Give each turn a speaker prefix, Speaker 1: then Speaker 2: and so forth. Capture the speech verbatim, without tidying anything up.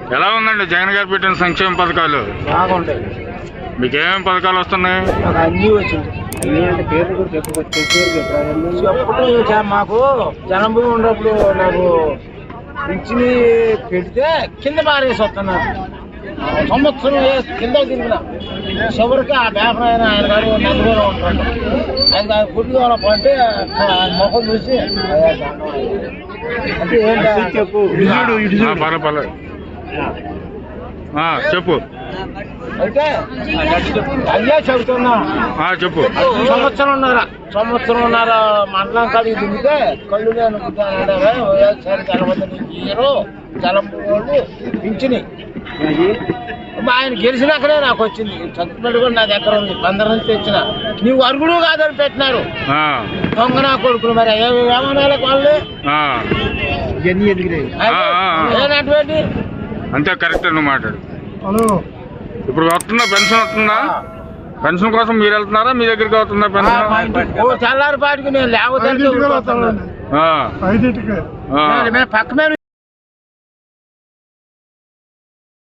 Speaker 1: ఎలా ఉందండి జగన్ గారు పెట్టిన సంక్షేమ పథకాలు?
Speaker 2: బాగుంటాయి.
Speaker 1: మీకేమేమి పథకాలు వస్తున్నాయి?
Speaker 2: అన్నీ వచ్చింది. పేర్లు కూడా చెప్పుకోవచ్చు. చెప్పుడు మాకు జనం భూమి ఉన్నప్పుడు నాకు ఇచ్చి పెడితే కింద పారేసి వస్తున్నారు. సంవత్సరం కింద తిరిగిన చివరికి ఆ పేపర్ అయినా ఆయన గారు నలుగురు ఉంటాడు. ఆయన గుడ్లు అంటే ముఖం చూసి అంటే ఏంటి చెప్పు
Speaker 1: చెప్పు
Speaker 2: అయితే అయ్యా చెబుతున్నా
Speaker 1: చెప్పు.
Speaker 2: సంవత్సరంన్నర సంవత్సరంన్నర మండలం కాడికి దిగితే కళ్ళు నేను వైఎస్ఆర్ జలమంది హీరో జలంపు వాళ్ళు పింఛని ఆయన గెలిచినాకనే నాకు వచ్చింది. చదువుకున్నట్టు కూడా నా దగ్గర ఉంది. బందర్ నుంచి తెచ్చిన నీవు అరుగుడు కాదని పెట్టినారు దొంగ నా కొడుకులు. మరి ఏమనాలి వాళ్ళు ఏనటువంటి
Speaker 1: అంతే కరెక్ట్ నువ్వు మాట్లాడు. ఇప్పుడు వస్తుందా పెన్షన్? వస్తుందా? పెన్షన్ కోసం మీరు వెళ్తున్నారా? మీ దగ్గరికి వస్తుందా పెన్షన్?
Speaker 2: చల్లారి పాటికి నేను లేకపోతే పక్క మీద